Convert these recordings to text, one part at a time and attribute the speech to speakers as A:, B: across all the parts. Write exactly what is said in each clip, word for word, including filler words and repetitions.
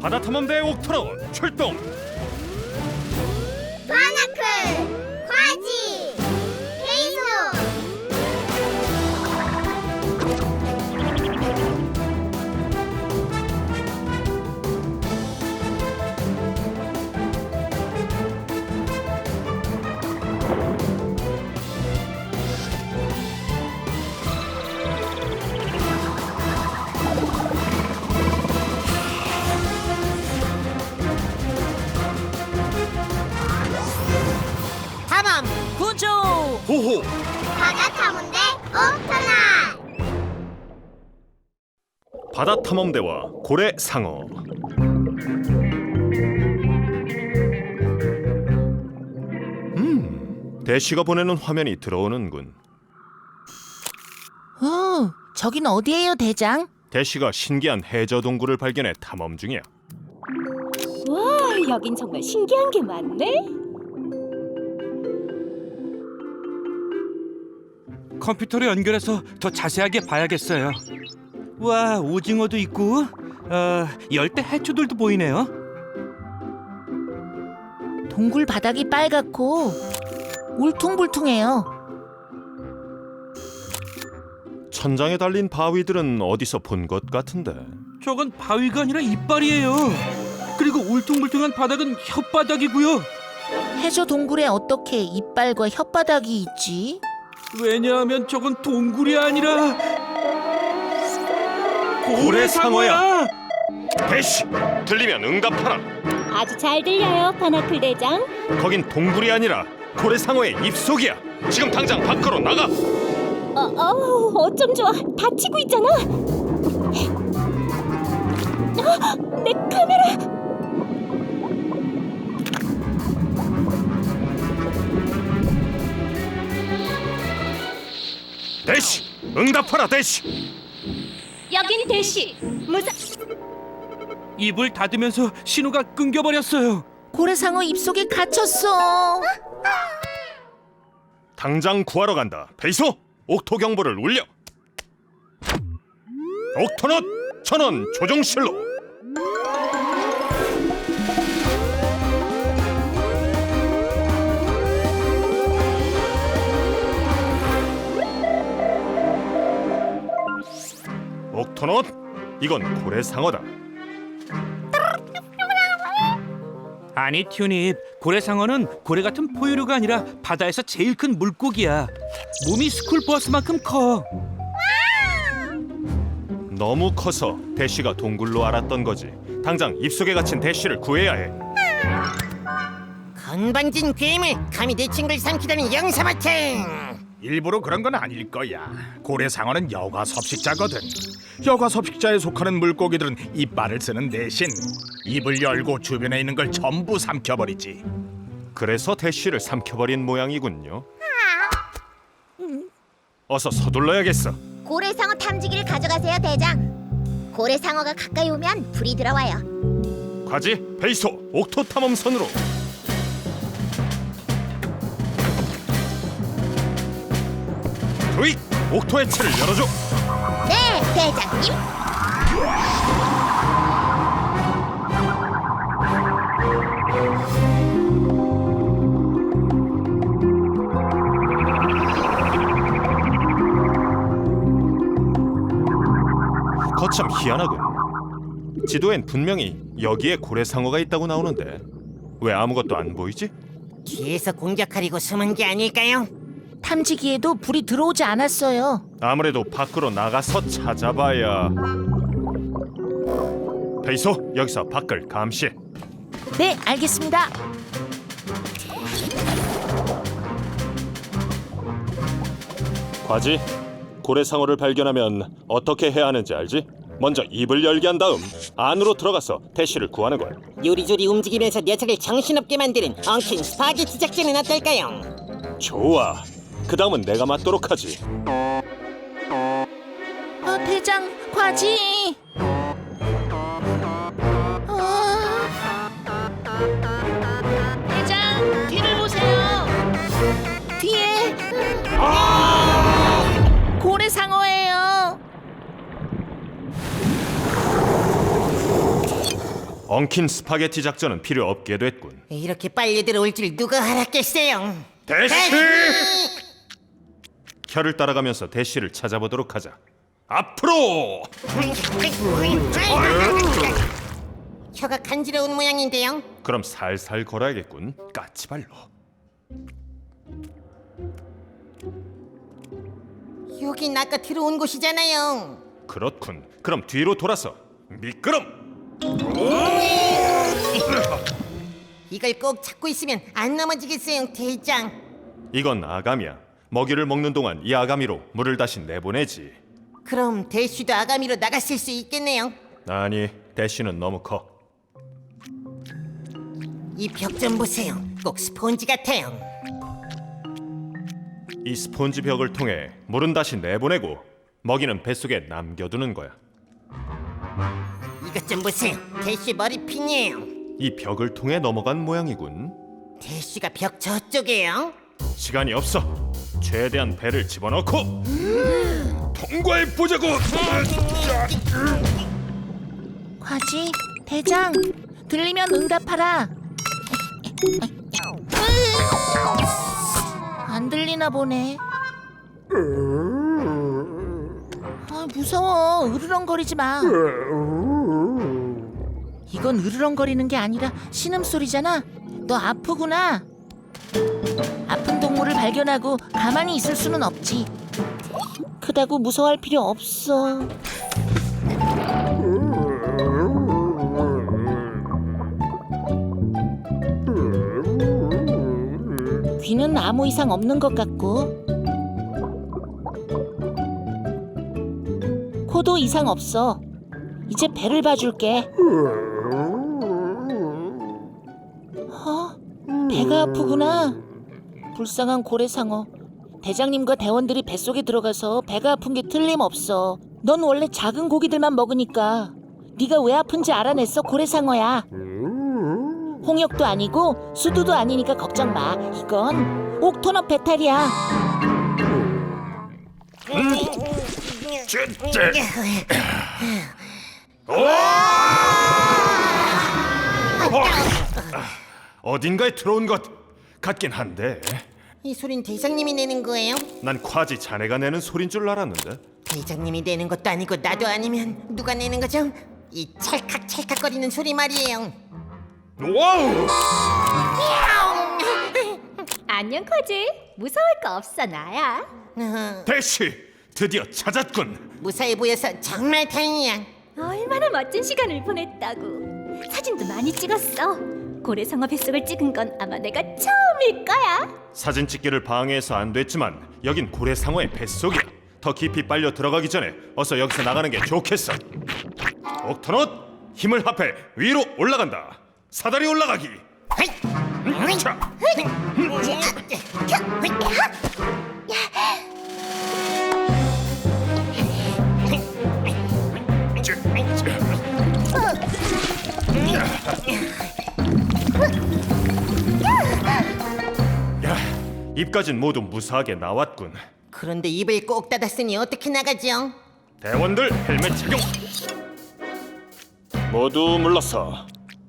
A: 바다탐험대 옥토론 출동!
B: 바나클, 과지, 페이소.
C: 탐험 구조.
A: 호호!
B: 바다탐험대 옥토론.
A: 바다탐험대와 고래상어. 음, 대시가 보내는 화면이 들어오는군.
C: 어, 저긴 어디예요, 대장?
A: 대시가 신기한 해저 동굴을 발견해 탐험 중이야.
D: 와, 여긴 정말 신기한 게 많네.
E: 컴퓨터로 연결해서 더 자세하게 봐야겠어요. 와, 오징어도 있고 어, 열대 해초들도 보이네요.
C: 동굴 바닥이 빨갛고 울퉁불퉁해요.
A: 천장에 달린 바위들은 어디서 본 것 같은데.
E: 저건 바위가 아니라 이빨이에요. 그리고 울퉁불퉁한 바닥은 혓바닥이고요.
C: 해저 동굴에 어떻게 이빨과 혓바닥이 있지?
E: 왜냐하면 저건 동굴이 아니라
A: 고래상어야. 대시! 들리면 응답하라.
D: 아주 잘 들려요, 바나클 대장.
A: 거긴 동굴이 아니라 고래상어의 입속이야. 지금 당장 밖으로 나가.
D: 어, 어, 어쩜 좋아. 다치고 있잖아. 아, 내 카메라.
A: 대시! 응답하라 대시!
D: 여긴 대시. 무사.
E: 입을 닫으면서 신호가 끊겨버렸어요.
C: 고래상어 입속에 갇혔어.
A: 당장 구하러 간다. 베이소! 옥토 경보를 울려. 옥토넛 전원 조종실로. 옥토넛, 이건 고래상어다.
E: 아니 튜닙, 고래상어는 고래 같은 포유류가 아니라 바다에서 제일 큰 물고기야. 몸이 스쿨버스만큼 커.
A: 너무 커서 대쉬가 동굴로 알았던 거지. 당장 입속에 갇힌 대쉬를 구해야 해.
F: 건방진 괴물, 감히 내 친구를 삼키다니 영사마탱.
G: 일부러 그런 건 아닐 거야. 고래상어는 여과 섭식자거든. 여과 섭식자에 속하는 물고기들은 이빨을 쓰는 대신 입을 열고 주변에 있는 걸 전부 삼켜버리지.
A: 그래서 대쉬를 삼켜버린 모양이군요. 어서 서둘러야겠어.
B: 고래상어 탐지기를 가져가세요, 대장. 고래상어가 가까이 오면 불이 들어와요.
A: 과지, 베이소, 옥토 탐험선으로. 도익! 옥토의 채를 열어줘.
B: 네, 대장님.
A: 거참 희한하군. 지도엔 분명히 여기에 고래상어가 있다고 나오는데 왜 아무것도 안 보이지?
F: 뒤에서 공격하려고 숨은 게 아닐까요?
C: 탐지기에도 불이 들어오지 않았어요.
A: 아무래도 밖으로 나가서 찾아봐야. 베이소, 여기서 밖을 감시해.
C: 네, 알겠습니다.
A: 과지, 고래상어를 발견하면 어떻게 해야 하는지 알지? 먼저 입을 열게 한 다음 안으로 들어가서 대쉬를 구하는 거야.
F: 요리조리 움직이면서 녀석을 정신없게 만드는 엉킨 스파게티 작전은 어떨까요?
A: 좋아. 그 다음은 내가 맡도록 하지.
C: 어, 대장, 과지. 어... 대장, 뒤를 보세요. 뒤에 고래상어예요.
A: 엉킨 스파게티 작전은 필요 없게 됐군.
F: 이렇게 빨리 들어올 줄 누가 알았겠어요.
A: 대시! 혀를 따라가면서 대시를 찾아보도록 하자. 앞으로!
F: 혀가 간지러운 모양인데요.
A: 그럼 살살 걸어야겠군. 까치발로.
F: 여긴 아까 들어온 곳이잖아요.
A: 그렇군. 그럼 뒤로 돌아서 미끄럼.
F: 이걸 꼭 잡고 있으면 안 넘어지겠어요, 대장.
A: 이건 아가미야. 먹이를 먹는 동안 이 아가미로 물을 다시 내보내지.
F: 그럼 대쉬도 아가미로 나갔을 수 있겠네요.
A: 아니, 대쉬는 너무 커.
F: 이 벽 좀 보세요. 꼭 스폰지 같아요.
A: 이 스폰지 벽을 통해 물은 다시 내보내고 먹이는 뱃속에 남겨두는 거야.
F: 이것 좀 보세요. 대쉬 머리핀이에요.
A: 이 벽을 통해 넘어간 모양이군.
F: 대쉬가 벽 저쪽이에요.
A: 시간이 없어. 최대한 배를 집어넣고 통과해 보자고.
C: 과지, 대장, 들리면 응답하라. 안 들리나 보네. 아, 무서워. 으르렁거리지 마. 이건 으르렁거리는 게 아니라 신음소리잖아. 너 아프구나. 아픈 동물을 발견하고 가만히 있을 수는 없지. 크다고 무서워할 필요 없어. 귀는 아무 이상 없는 것 같고 코도 이상 없어. 이제 배를 봐줄게. 어? 배가 아프구나. 불쌍한 고래상어. 대장님과 대원들이 뱃속에 들어가서 배가 아픈 게 틀림없어. 넌 원래 작은 고기들만 먹으니까. 네가 왜 아픈지 알아냈어, 고래상어야. 홍역도 아니고 수두도 아니니까 걱정 마. 이건 옥토너 배탈이야.
A: 어딘가에 들어온 것 같긴 한데
F: 이 소린 대장님이 내는 거예요?
A: 난 과지 자네가 내는 소린 줄 알았는데.
F: 대장님이 내는 것도 아니고 나도 아니면 누가 내는 거죠? 이 찰칵찰칵거리는 소리 말이에요.
A: 와우!
D: 안녕 코지. 무서울 거 없어 나야.
F: 어,
A: 대시 드디어 찾았군.
F: 무사히 보여서 정말 다행이야.
D: 얼마나 멋진 시간을 보냈다고. 사진도 많이 찍었어. 고래상어 뱃속을 찍은 건 아마 내가 처음일 거야.
A: 사진 찍기를 방해해서 안 됐지만 여긴 고래상어의 뱃속이야. 더 깊이 빨려 들어가기 전에 어서 여기서 나가는 게 좋겠어. 옥토넛 힘을 합해 위로 올라간다. 사다리 올라가기. 음, 자. 야, 입까진 모두 무사하게 나왔군.
F: 그런데 입을 꼭 닫았으니 어떻게 나가죠?
A: 대원들 헬멧 착용. 모두 물러서.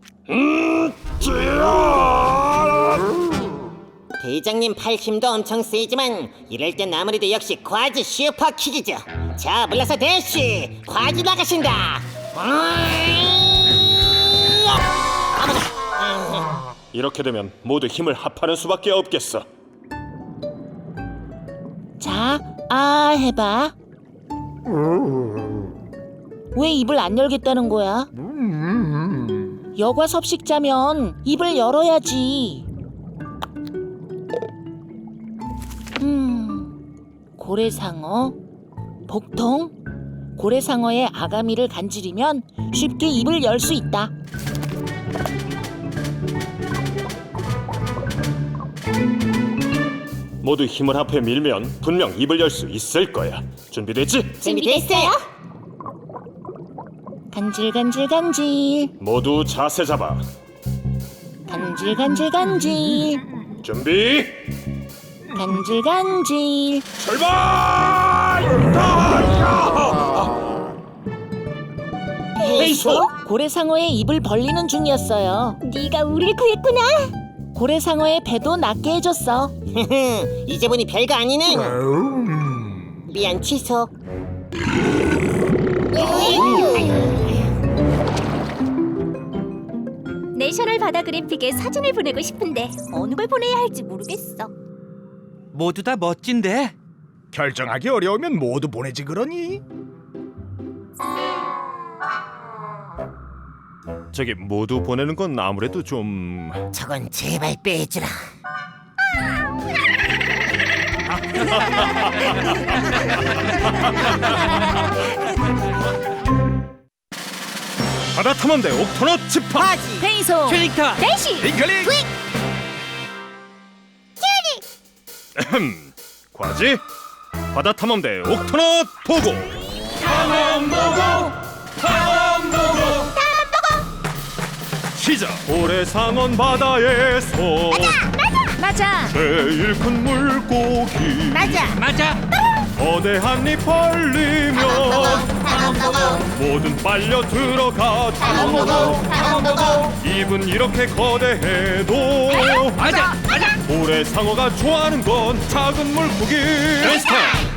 F: 대장님 팔 힘도 엄청 세지만 이럴 땐 아무래도 역시 과지 슈퍼킥이죠. 자, 물러서 대쉬 과지 나가신다.
A: 이렇게 되면 모두 힘을 합하는 수밖에 없겠어.
C: 자, 아 해봐. 왜 입을 안 열겠다는 거야? 여과 섭식자면 입을 열어야지. 음, 고래상어, 복통, 고래상어의 아가미를 간지리면 쉽게 입을 열 수 있다.
A: 모두 힘을 합해 밀면 분명 입을 열 수 있을 거야. 준비됐지?
F: 준비됐어요?
C: 간질간질간질,
A: 모두 자세 잡아.
C: 간질간질간질,
A: 준비.
C: 간질간질.
A: 출발!
F: 페이소?
C: 고래상어의 입을 벌리는 중이었어요.
B: 네가 우릴 구했구나.
C: 고래상어의 배도 낫게 해줬어.
F: 이제 보니 별거 아니네. 미안 취소.
D: 내셔널 바다 그래픽에 사진을 보내고 싶은데 어느 걸 보내야 할지 모르겠어.
E: 모두 다 멋진데.
G: 결정하기 어려우면 모두 보내지 그러니?
A: 저기 모두 보내는 건 아무래도 좀
F: 저건 제발 빼주라.
A: 바다 탐험대 옥토넛 집합.
F: 과지.
C: 페이소.
E: 킬링타.
D: 대시
G: 잉클릭.
A: 에헴. 과지 바다 탐험대 옥토넛 보고. 탐험 보고. 탐험 보고. 탐험 보고. 시작. 고래상어 바다에서
C: 맞아.
A: 제일 큰 물고기.
F: 맞아.
E: 맞아.
A: 거대한 입 벌리며 모든 빨려 들어가. 입은 이렇게 거대해도
E: 맞아. 맞아.
A: 고래상어가 좋아하는 건 작은 물고기. 베스트.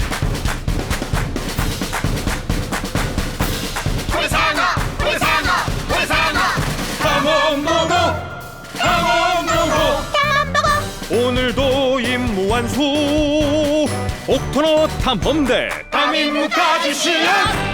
A: 고래상어 고래상어 고래상어 탐험 보고 탐험 보고 오늘도 임무 완수. 옥토넛 탐험대 탐임무까지 시작.